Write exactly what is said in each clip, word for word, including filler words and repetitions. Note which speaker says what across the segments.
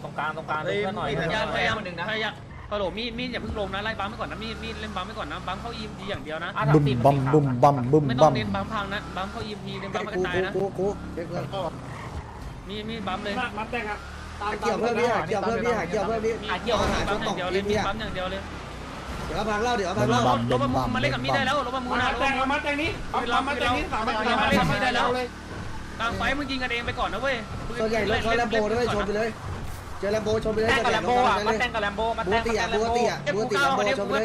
Speaker 1: ตรงกลางตรงกลางเพื่อนหน่อยพยายามพยายามหนึ่งนะพยายามฮัลโหลมีดมีดอย่าเพิ่งลงนะไล่บัมไปก่อนนะมีดมีดเล่นบัมไปก่อนนะบัมเข้าอีมดีอย่างเดียวนะ
Speaker 2: บึมบัมบึมบัมบึม
Speaker 1: ไม่ต้
Speaker 2: บั
Speaker 1: อง
Speaker 2: ม
Speaker 1: เน้นบัมพังนะบัมเข้าอีมพีเน้นบัมกระจายนะ
Speaker 3: กูกูเด็กเ
Speaker 1: มีมีบัมเลย
Speaker 4: มัดแตงครับตาม
Speaker 3: กี่ยวเพื่อนพี่หาเกี่ยวเพื่อนพี่หาเกี่ยวเพื่อนพี่
Speaker 1: หาเกี่ยวหาบัมอย่างเดียวเลยมีบัมอย่างเดียวเลย
Speaker 3: เดี๋ยวพังเล่าเดี๋ยวพั
Speaker 2: บึ
Speaker 3: ง
Speaker 2: ม
Speaker 3: เล่า
Speaker 2: บัม
Speaker 1: ร
Speaker 2: บึ
Speaker 1: ถ
Speaker 2: ม
Speaker 1: บัม
Speaker 2: บัม
Speaker 1: มาเล่นกับมีดได้แล้วรถบัมมู
Speaker 4: มั
Speaker 1: นะ
Speaker 4: ดแตงเอามัดแตงนี้เอามัดแตงนี้สามมัดแตงมาเล่นกับมีดได้แล้วเลย
Speaker 1: กลางไฟมึงยิงกันเองไปก่อนนะเว้ย
Speaker 3: ส่วนใหญ่รถเขาแลมโบด้วยชนไปเลยเจอแลมโบชนไปเลย
Speaker 1: แตงกับแลมโบอ่ะมาแตงกับแลมโบมาแต
Speaker 3: บู
Speaker 1: ง
Speaker 3: ตีอ่ะบูตีอ่ะบูตีแลมโบชนไปเลย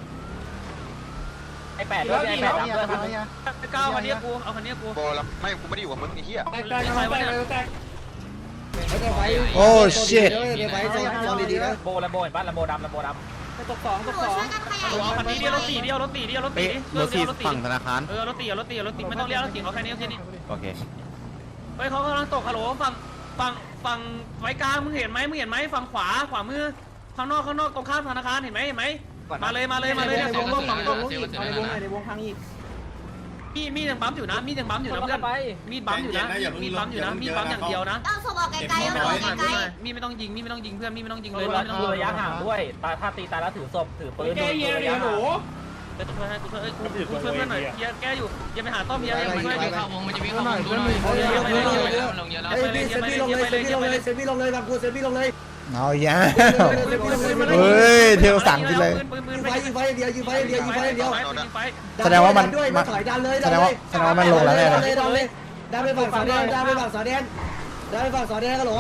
Speaker 1: ไอแปดด้วยไอแปดดับด้วยไอเก้าคันนี้กูเอาคันนี้กู
Speaker 5: โบแล้วไม่กูไม่ได้อยู่กับมึงไอ้เหี้ย
Speaker 4: แตงแตงแตงแตงแตง
Speaker 3: ไฟ
Speaker 2: โอ้ชิต
Speaker 3: ไฟโซนโซนดีๆนะ
Speaker 1: โบแลมโบเห็นป่ะแลมโบดำแลมโบดำ
Speaker 4: ตกสองตกสอง
Speaker 1: เอาคันนี้เดียวรถสี่เดียวรถสี่เดียวรถสี่
Speaker 6: รถสี่ฝั่งธนาคาร
Speaker 1: เออรถสี่รถสี่รถสี่ไม่ต้องเรียกรถสี่เอาแค่นี้แค่นี้
Speaker 6: โอเค
Speaker 1: เฮ้ยเขากำลังตกฮัลโหลฝั่งฝั่งฝั่งไฟกลางมึงเห็นไหมมึงเห็นไหมฝั่งขวาขวามือข้างนอกข้างนอกตรงข้ามธนาคารเห็นไหมเห็นไหมมาเลยมาเลยมาเลยเนี่ยตรงตรงตรงตรง
Speaker 4: ในวงในวงพังอีก
Speaker 1: มีมียังบัมอยู่นะมียังบัมอยู่นะเพื่อนมีบัมอยู่นะมีบัมอยู่นะมีบัมอย่างเดียวนะ
Speaker 7: เอาศพออกไกลๆเอาศพออกไกล
Speaker 1: มีไม่ต้องยิงมีไม่ต้องยิงเพื่อนมีไม่ต้องยิง
Speaker 8: เล
Speaker 1: เลย ย
Speaker 8: เรา
Speaker 1: ไม่ต้อง
Speaker 8: ดู
Speaker 1: ยิง
Speaker 8: ระยะห่างด้วยตาถ้าตีตายแล้วถือศพถือปืน
Speaker 4: แกเยียร์หนู
Speaker 1: เดี๋ยวช่วยให้กูช่วยเอ้ยกูกูช่วยเพื่อนหน่อยเฮียแกอยู่อย่าไปหาต้อมเฮียอย่าไปช่วย
Speaker 3: เข้าวงมันจะวิ่งเข้าวงดูหน่อยเฮ้ยพี่เซฟพี่ลงเลยเซฟพี่ลงเลยเซฟพี่ลงเลยบางกูเซฟพี่ลงเลย
Speaker 2: เอาแย่เฮ้ยเทลสั่งกินเลย
Speaker 3: ยิงไฟยิงไฟเดียวยิงไฟเดียวยิงไฟเดียว
Speaker 2: แสดงว่ามัน
Speaker 3: ด้วยถอยดันเลย
Speaker 2: แสดงว่าแสดงว่ามันลงแล้วแน่
Speaker 3: ดั
Speaker 2: เลย
Speaker 3: นเลยดันเลยดันไปฝั่งสอแดนดันไปฝั่งสอแดนดันไปฝั่งสอแดนกันหรอ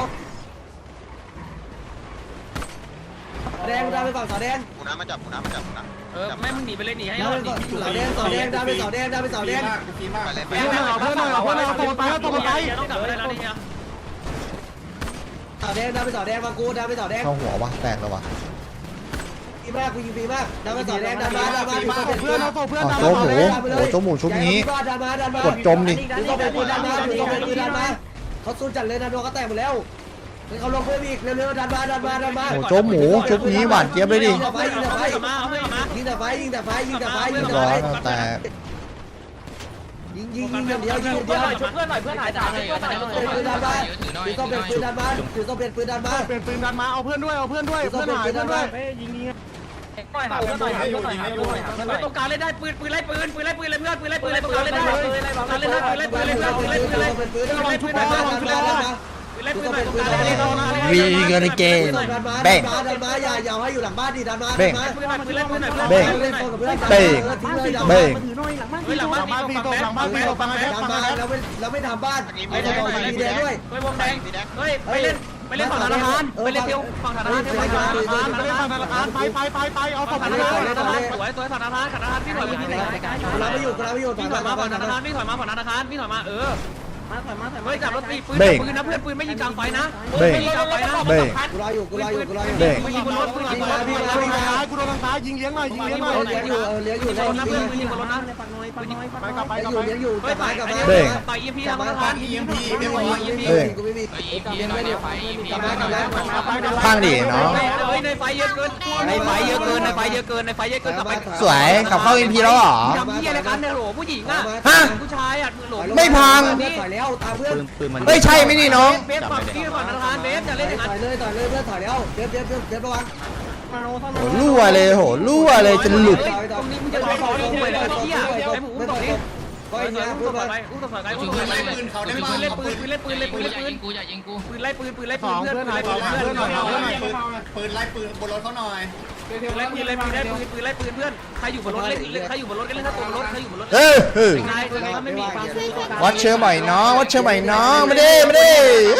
Speaker 3: แดงดันไปฝั่งสอแดน
Speaker 5: กูน้ำมาจับกูน้ำมาจับกูน้
Speaker 1: เออแม่มึงหนีไปเลยหนีให้
Speaker 3: ดั
Speaker 1: ร
Speaker 3: น
Speaker 1: อ
Speaker 3: ไป
Speaker 1: ดหนี
Speaker 3: ฝั่งสอแดนสอแดงดันไปสอแดงดันไปสอแดง
Speaker 5: ำไปเลยไป
Speaker 1: เพื่อนเอาเพื่อนเอาเพื่อนเอาตัวไปแล้วตัวไปต้องกลับไปแล้วนี่เนี่ย
Speaker 3: สอแดงดันไปสอแดงบางกูดันไปสอแดง
Speaker 2: เข้าหัววะแตกแล้ววะ
Speaker 3: ดีมากกูยิงดีมากดันไปสอแดงดันมาดันมาเพื่อนเอาตัวเพื่อน
Speaker 2: อ๋อโจ๊กหมูโอ้โจ๊กหมูชุบนี้
Speaker 3: ดันมาดันมาก
Speaker 2: ดจมดิ
Speaker 3: ถือต้องเป็นปืนดันมาถือต้องเป็นปืนดันมาเขาสู้จัดเลยนะโดนเขาแตกหมดแล้วเขาลงเพิ่มอีกเร็วๆดันมาดันมาดันมา
Speaker 2: โอ้โจ๊กหมูชุบนี้หวานเจี๊ยบเลยดิ
Speaker 3: ยิงแต่ไฟยิงแต่ไฟ
Speaker 1: เอามาเอาเพื่อนมา
Speaker 3: ยิงแต่ไฟยิงแต่ไฟยิงแต่ไฟยิ
Speaker 2: เรี
Speaker 3: ง
Speaker 2: ยบ
Speaker 3: แต่
Speaker 2: ร้
Speaker 3: ไฟ
Speaker 2: อยแล้วแตก
Speaker 3: ยิงยิงยิงอย่างเดียวยิงอย่าง
Speaker 8: เพื่
Speaker 3: เดี
Speaker 8: อน
Speaker 3: ยว
Speaker 8: หน่อยช่วยเพื่อนหน่อยเพื่อนหายจากเพื่อนหน่อย
Speaker 3: เป็นปืนดันมาถือต้องเป็นปืนดันมาถือต้องเป็นปืนดันมา
Speaker 4: เป็นปืนดันมาเอาเพื่อนด้วยเอาเพื่อนด้วย
Speaker 3: ถือต้องเป็นปืนดันมา
Speaker 4: ยิงยิง
Speaker 8: หน่อยหาเพื่อนหน่อยหาเพื่อนหน่อยหาเพื่อนหน่อยหาเพื่อนหน่อย
Speaker 1: ตรงกลางเล่นได้ปืนปืนไล่ปืนปืนไล่ปืนเลยเพื่อนปืนไล่ปืนเลยตรงกลางเล่นได้ปืนไล่ปืนเล่นได้ปืนไล่ปืนเลยเพื่อนปืนไล่ปืนเลย
Speaker 3: เป็นปืน
Speaker 1: ปืน
Speaker 3: ดัน
Speaker 1: ไล่
Speaker 3: มา
Speaker 1: ปื
Speaker 3: ชุ
Speaker 1: น
Speaker 3: บ
Speaker 1: ไล่
Speaker 3: ดัน
Speaker 1: ปืน
Speaker 3: มาดันมาดันมา
Speaker 1: ปืนไล่ปืนตรงกลางเล่นได้
Speaker 2: วีกันเกนเบ้ง
Speaker 3: ดันมาอย่าอย่าให้อยู่หลังบ้านดิดันมา
Speaker 2: เบ้ง
Speaker 1: ปืนไล่ปืนไล่ปืนหน่อย
Speaker 2: เบ้ง เบ้ง เบ้ง
Speaker 1: เฮ้ยหลังบ้านตีตรงหลังบ้านตีตรงฝั่งแบ
Speaker 3: ดันมาเราไม่เราไม่ทำบ้านไม่ทำบ้านสีแดงด้วย
Speaker 1: เฮ้ยวงแดงเฮ้ยไปเล่นไปเล่นฝั่งธนาคารไปเล่นเที่ยวฝั่งธนาคารเที่ยวฝั่งธนาคาร
Speaker 4: ไปฝั่งธนาคารไปไปไปไปเอาศพ
Speaker 1: ฝั่ง
Speaker 4: ธ
Speaker 1: ธ
Speaker 4: นา
Speaker 1: นา
Speaker 4: คา
Speaker 1: คาร รสวยสวยฝั่งธนาคารธนาคารพี่ถอยมาพี่ถอยมา
Speaker 3: เราไม่อยู่เราไม่อยู่
Speaker 1: พี่ถอยมาฝั่งธนาคารพี่ถอยมาฝั่งธนาคารพี่ถอยมาเออ
Speaker 4: มาถอยมาถอย
Speaker 1: เฮ้ยจับรถตีปืนปืนนะเพื่อนปืนไม่ยิงกลางไฟนะ
Speaker 2: เบ้ง
Speaker 1: ไม่ยิงกลางไฟนะ
Speaker 2: เบ้ง
Speaker 3: กูรออยู่กูรออยู่กูรออยู่
Speaker 2: เบ้ง
Speaker 1: ไม่ยิงบนรถปืนยิงบนรถ
Speaker 4: กูโดนทางซ้ายกูโดนทางซ้ายยิงเลี้ยงหน่อยยิงเลี้ยงหน่อย
Speaker 3: เลี้ยงอยู่เลี้ยงอยู่
Speaker 1: ยิงบนรถนะเพื่อนปืนยิงบนรถนะ
Speaker 4: ปักน้อยปักน้อยปักน้อย
Speaker 3: ไปกับไปกับไปเลี้ยงอยู่
Speaker 1: เฮ้ย
Speaker 3: กับ
Speaker 1: ต่
Speaker 3: ไป
Speaker 1: อย
Speaker 3: กับไป
Speaker 2: เบ้ง
Speaker 1: ต่อยเอ็มพีทางธนาคาร
Speaker 3: เอ็มพีเอ็มพีกูไม่มีกับไปกับไป
Speaker 2: ข้างดิเนาะ
Speaker 1: เฮ้ยในไฟเยอะเกินในไฟเยอะเกินในไฟเยอะเกินในไฟเยอะเกินกลับไป
Speaker 2: สวยขับเข้าอินพีแล้วเหรอ
Speaker 1: ทำเหี้ยอะไรกันเนี่ยโหลผู้หญิงอ่ะ
Speaker 2: ฮะ
Speaker 1: ผู้ชายอ่ะโหล
Speaker 2: ไม่พัง
Speaker 3: ถอยแล้วตามเพื่อน
Speaker 6: ปืนปืนมัน
Speaker 2: เฮ้ยใช่ไหมนี่น้อง
Speaker 1: เบสฝั่งที่ฝั่งธนาคารเบสจะเล่นอย่างนั้น
Speaker 3: ถอยเลยถอยเลยเพื่อนถอยแล้วเดี๋ยวเดี๋ยวเดี๋ยวเดี๋ยวระวัง
Speaker 4: มาโน้ท่าน
Speaker 2: โหรั่วเลยโหรั่วเลยจนหลุด
Speaker 1: ตรงนี้มึงจะไปขอลงไปเลยเหี้ยไอ้หมูตรงนี้
Speaker 3: ก็
Speaker 1: เฮ้
Speaker 3: ไอ้
Speaker 1: ย
Speaker 3: เนี่ย
Speaker 1: อุ้
Speaker 3: พู
Speaker 1: ม
Speaker 3: ด
Speaker 1: ต่อ
Speaker 3: มา
Speaker 1: ไปอุ้มต่อไปอุ้มต่อไปปืนเขาได้ปืนเล่นปืนปืนเล่นปืนเล่นปืนเล่นปืนปืนไล่ปืนปืนไล่
Speaker 4: ส
Speaker 1: ปืน
Speaker 4: อง
Speaker 1: เพื่อน
Speaker 4: เพื่อน
Speaker 1: ปืน
Speaker 4: หาย
Speaker 1: ไล่ปืน
Speaker 4: เพื่อนหน่อยเพื่อนหน่อย
Speaker 5: ปืนไล่ปืนบนรถเขาหน่อย
Speaker 1: ไล่ปืนไล่ปืนไล่ปืนปืนไล่ปืนเพื่อนใครอยู่บนรถเล่นใครอยู่บนรถก็เล่นถ้าตกรถใครอยู่บนรถ
Speaker 2: เออเออ
Speaker 1: นายถ้าไม่มีความสู้
Speaker 2: วัดเชื้อใหม่น้องวัดเชื้อใหม่น้องไม่ได้ไม่ได้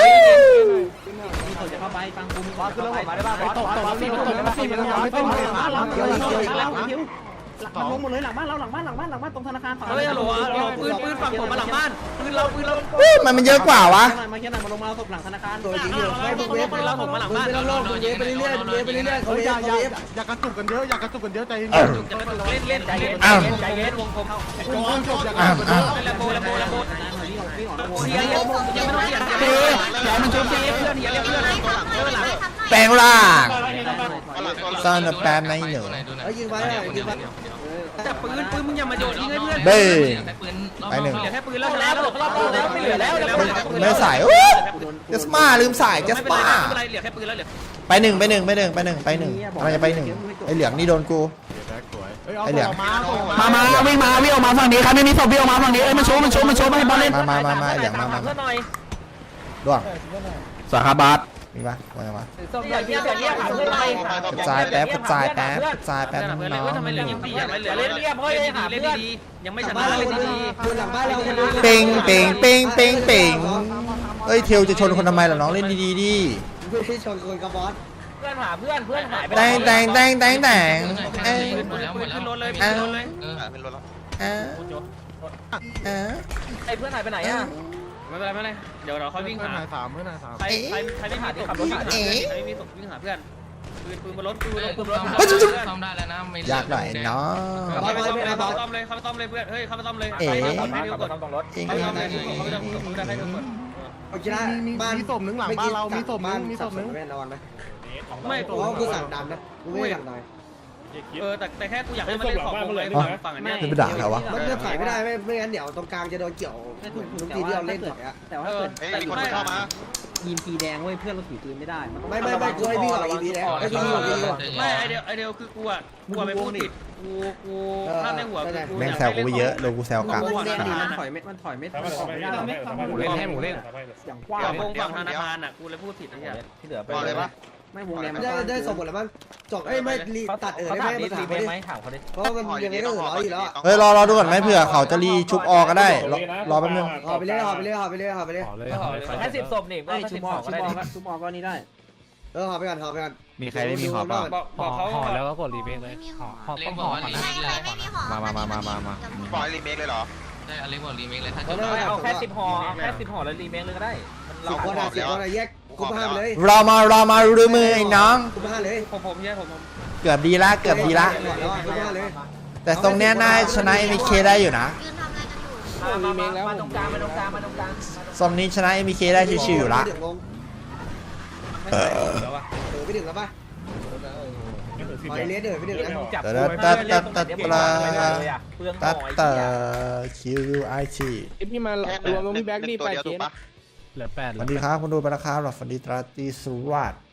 Speaker 4: จะเข้าไปฟังกูมีบอส
Speaker 8: ขึ้นแล้วมาได้ป่ะบอส
Speaker 4: ตกตกสี่ตกสี่มันยังไม่ต้องเลยหลังเดียวหลังเดียวหลังเดียวหลังลงหมดเลยหลังบ้านเราหลังบ้านหลังบ้านหลังบ้านตรงธนาคารฝั่ง
Speaker 1: เฮ้ยฮัลโหลฮัลโหลปืนปืนฝั่งผมมาหลังบ้านปืนเราปืนเรา
Speaker 2: มันมันเยอะกว่าวะ
Speaker 4: มาแค่ไหนมาลงมาศพหลังธนาคาร
Speaker 3: ตัวจริงอยู่ให้พวกเวฟไปแล้วผมมาหลังบ้านแล้วลงเวฟไปเรื่อยๆเวฟไปเรื่อยๆเขา
Speaker 4: เฮ้ย
Speaker 3: เว
Speaker 4: อย่า
Speaker 3: ฟ
Speaker 4: อย่า
Speaker 3: เขาเวฟ
Speaker 4: อย่ากระตุกกันเยอะอย่ากระตุกกันเยอะใจเย็น
Speaker 1: จุกจะมาจุกเล่นเล่นใจเย็นใจเย็นวงกลม
Speaker 4: จงจบอย่ากระ
Speaker 2: อ้าว
Speaker 4: ตุกกันเย
Speaker 2: อ้าว
Speaker 4: อะ
Speaker 1: แลมโบแลมโบแลมโบ
Speaker 4: วิ่งออกวิ่งออก
Speaker 1: เฮียยังยังไม่ต้องเฮียเฮียอย่ามันจุกเฮียเพื่อนเฮียเรียกเพื่อนเพื่อนหลัง
Speaker 2: แปลงร่างซ่อนแปมในเหนือ
Speaker 3: เฮ้ยยิงไปยิงไป
Speaker 1: จับปืนปืนมึงอย่ามาโยนทิ้งให้เพื่อน
Speaker 2: เบ้ไปหนึ่ง
Speaker 1: เหลือแค่ปืนแล้ว
Speaker 8: แล้วรอบแล้วไม่เหลือแล้ว
Speaker 2: ไม่ใส่โอ้เจสมาลืมใส่เจส
Speaker 1: ไม่เป็น
Speaker 2: มา
Speaker 1: ไรเหลือแค่ปืนแล้วเหลือ
Speaker 2: ไปหนึ่งไปหนึ่งไปหนึ่งไปหนึ่งไปหนึ่งอะไรจะไปหนึ่งไอเหลืองนี่โดนกูไอเหลือง
Speaker 4: มามาวิ่งมาวิ่งออกมาฝั่งนี้ครับไม่มีศพวิ่งออกมาฝั่งนี้เอ้ยมันโชว์มันโชว์มันโชว์ให้บอลเล่น
Speaker 2: มามามามาไอเหลืองมามา
Speaker 8: เพื่อนหน่อย
Speaker 2: ด้วง
Speaker 4: สาขาบาส
Speaker 2: มีปะมามา
Speaker 8: ศพอย่างเงี้ยอย่างเงี้ยหาเพื่อนหน่อย
Speaker 2: กระจายแป๊บกระจายแป๊บกระจายแป๊บ
Speaker 1: เพื่อน
Speaker 2: น้อง
Speaker 1: ทำไมเหลือยังดีอ่ะเหลือเล่นเรียบเฮ้ยหาเล่นดียังไม่ชนะเล่นดี
Speaker 3: ดูหลังบ้านเราคนดู
Speaker 2: เป่งเป่งเป่งเป่งเป่งเอ้ยเทลจะชนคนทำไมล่ะน้องเล่นดีๆดิ
Speaker 3: ที่ชนคนกับบอส
Speaker 8: เพื่อนหาเพื่อนเพื่อนหายไป
Speaker 2: แตงแตงแตงแตงแตงเอ้ย
Speaker 1: หมดแล้วหมดแล้วขึ้นรถเลยขึ้นรถเลย
Speaker 5: เป็นรถแล้ว
Speaker 2: อ่ะอ่ะ
Speaker 8: ไอ้เพื่อนหายไปไหนอ่ะ
Speaker 1: ไม่เป็นไรไม่เป็นไรเดี๋ยวเราค่อยวิ่งหา
Speaker 6: สามเพื่อนสาม
Speaker 1: ใครใครใครไม่หาที่ขับรถวิ่งหาเพื่อนใครไม่มีศพวิ่งหาเพื่อนปืนปืนบนรถปืนปืนบนรถ
Speaker 9: ซ่อมได้แล้วนะไม่
Speaker 2: อยากหน่อยน้อง
Speaker 1: เข้าไปต้อมเลยเข้าไปต้อมเลยเข้าไปต้อมเลยเพื่อนเฮ้ยเข้าไปต้อมเลย
Speaker 2: เอ๋
Speaker 1: ให้ดูก่อน
Speaker 8: ต้องรถ
Speaker 2: เอง
Speaker 1: เข้าไปต้อมเลยเข้าไปต้อมเลยให้ดูก่อน
Speaker 3: โอเคนะบ้าน
Speaker 6: มีศพหนึ่งหลังบ้านเรามีศพหนึ่งมีศพหนึ่ง
Speaker 3: แม่นอนไหม
Speaker 1: ไม่
Speaker 3: เพราะว่ากูสั่งดำนะกูไม่สั่งดอย
Speaker 1: เออแต่แต่แค่กูอยากให้มันเล่นของเลยฝั่งอันเนี้ย
Speaker 2: จะไปด่าเขาวะ
Speaker 3: มันจะถอยไม่ได้ไม่ไม่งั้นเดี๋ยวตรงกลางจะโดนเกี่ยวทุกทีที่เราเล่นถอยอะ
Speaker 4: แต่ว่าเกิด
Speaker 5: เฮ้ยมีคนเข้ามา
Speaker 4: ยิมปีแดงเว้ยเพื่อนเราถือปืนไม่ได้
Speaker 3: ไม่ไม่ไม่กูให้พี่ก่อนอีพีแล้วไอ้พี่ก่อนพี่ก่อน
Speaker 1: ไม่ไอเดียไอเดียคือกูอ่ะกูไปพูดผิดกูกูภาพในหัวคือกู
Speaker 2: แม่งแซวกูไปเยอะโดนกูแซวกลับ
Speaker 4: มันถอยไม่มันถอยไม่ถอยไม่ได้
Speaker 6: หมูเล่นให้หมูเล่น
Speaker 4: อย่างกว้าง
Speaker 1: วงฝั่งธนาคารอ่ะกูเลยพูดผิดไอ้เหี้ย
Speaker 8: ที่เหลือไป
Speaker 5: พอเลยปะ
Speaker 4: ไม่วงแดงมัน
Speaker 3: ได้ได้สมบูรณ์แล้วมั้งจบเอ้ยไม่รีตัดเออ
Speaker 8: เขา
Speaker 3: ได้
Speaker 8: ถาม
Speaker 3: ไหม
Speaker 8: ดี
Speaker 3: มาถาม
Speaker 8: ดี
Speaker 3: เขาดิ
Speaker 8: ไหมถามเขาดิ
Speaker 3: เพราะมันยังไงก็เหลืออยู่แล้ว
Speaker 2: เฮ้ยรอรอดูก่อนไหมเผื่อเขาจะรีชุบออกก็ได้รอรอแป๊บนึง
Speaker 3: หอไปเรื่อยหอไปเรื่อยหอไปเรื่อยหอไปเรื่อย
Speaker 8: แค่สิบศพนี่ก็
Speaker 4: ไอ้
Speaker 8: สิ
Speaker 4: ชุ
Speaker 8: บบ
Speaker 4: อ
Speaker 8: ศ
Speaker 4: อก
Speaker 8: พก็
Speaker 4: ชุบ
Speaker 8: ได้
Speaker 4: ออกชุบออกก็นี่ได้
Speaker 3: เออหอไปก่อนหอไปก่อน
Speaker 6: มีใครได้มีหอเปล่า
Speaker 1: บอกบอกเขา
Speaker 6: ห่อแล้วก็กดรีเมคเลย
Speaker 7: ไม่มีหอ
Speaker 6: ห่อ
Speaker 9: เล็
Speaker 6: ต้
Speaker 9: ก
Speaker 6: อง
Speaker 9: บอ
Speaker 6: ห่
Speaker 9: ก
Speaker 6: อ
Speaker 9: ว่า
Speaker 6: ก่อน
Speaker 9: รี
Speaker 6: นะ
Speaker 9: เมคเลย
Speaker 7: ไม่มีหอ
Speaker 6: มามามามามามา
Speaker 5: ปล่อยรีเมคเลยเหรอ
Speaker 9: ใช่อเล็กบอกรีเมคเลยถ้า
Speaker 3: เพราะ
Speaker 9: จะ
Speaker 3: นั่น
Speaker 8: เอาแค่สิบห่อแค่สิบห่อแล้วรีเมคเลยก็ได้
Speaker 3: สิบคนอ่ะสิบคนอ่ะแยกกูห้าไปเลย
Speaker 2: รอมารอมาดูมือไอ้น้อง
Speaker 3: กูห้าเลย
Speaker 1: ผมผมเนี่ยผมผม
Speaker 2: เกือบดีละเกือบดีละ
Speaker 3: กูห้าเลย
Speaker 2: แต่ตรงเนี้ยน่าชนะ เอ็ม เค ได้อยู่นะ
Speaker 7: ยืนทำอะไรกันอยู่
Speaker 8: มามาตรงกลางมาตรงกลางมาตรงกลาง
Speaker 2: ซอมนี้ชนะ เอ็ม เค ได้ชิวๆอยู่ละ
Speaker 3: เออไปถึงแล้วป่ะไปเลสเดินไปถึงแล้ว
Speaker 8: จับ
Speaker 2: ตัดตัดตัดตัดตัด
Speaker 8: เปลืองห
Speaker 2: ตัด
Speaker 8: อย
Speaker 2: ตัดคิวไอที
Speaker 6: พี่มารวมตรงพี่แบ็กนี่ไป
Speaker 5: ตัวเดียว
Speaker 6: เก
Speaker 5: ถู
Speaker 6: ม
Speaker 5: กปะ
Speaker 6: เหลือแปด
Speaker 2: สวัสดีครับคุณดูไปแล้วครับสวัสดีตราตรีสุวัสดิ์